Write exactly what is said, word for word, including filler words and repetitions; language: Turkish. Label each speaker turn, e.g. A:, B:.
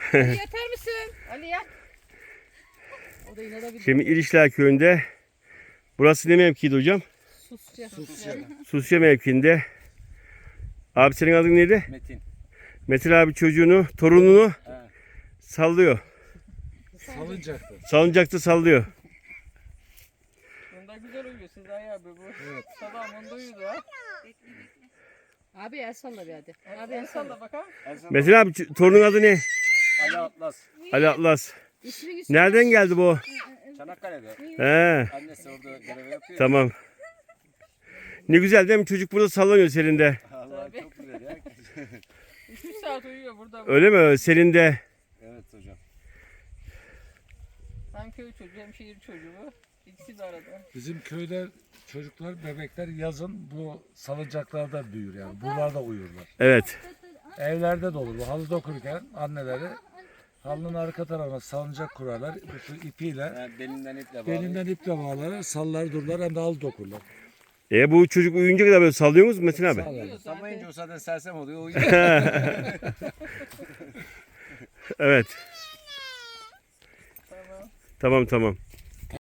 A: Ali yatar mısın? Ali yat. O da inanabilir.
B: Şimdi İrişler Köyü'nde. Burası ne mevkiydi hocam?
A: Susça.
C: Susya.
B: Susya mevkiinde. Abi senin adın neydi?
C: Metin.
B: Metin abi çocuğunu, torununu
C: He.
B: sallıyor.
C: Salıncakta.
B: Salıncakta sallıyor.
D: Bunda güzel uyuyor Sezai abi bu.
C: Evet.
D: Sabah bunda uyudu ha.
A: Abi el salla bir hadi. Abi
D: Abi
A: el
D: en
A: salla.
D: salla bakalım.
B: Metin abi ç- torunun adı ne?
C: Ali Atlas.
B: Ali Atlas.
A: İsmi güzel.
B: Nereden geldi bu?
C: Çanakkale'de.
B: He,
C: Annesi orada görev yapıyor.
B: tamam. Ne güzel değil mi? Çocuk burada sallanıyor serinde.
C: Allah
D: Tabii.
C: çok güzel ya.
D: üç üç saat uyuyor burada. bu.
B: Öyle mi? Serinde.
C: Evet hocam.
D: Hem köy çocuğu hem şehir çocuğu bu. İkisi de arada.
E: Bizim köyde çocuklar, bebekler yazın bu salıncaklarda büyür yani. Buralarda uyurlar.
B: Evet.
E: Evlerde de olur. Bu halı dokurken anneleri halının arka tarafına salıncak kurarlar. Bu ipiyle
C: Yani belinden iple bağlı.
E: belinden iple bağlar, sallar dururlar hem de halı dokurlar.
B: E bu çocuk uyuyunca kadar böyle sallıyor musunuz Metin abi?
E: Sallar.
D: Uyuyor zaten.
C: Samayınca o zaten sersem oluyor. Uyuyor.
B: Evet.
D: Tamam.
B: Tamam tamam.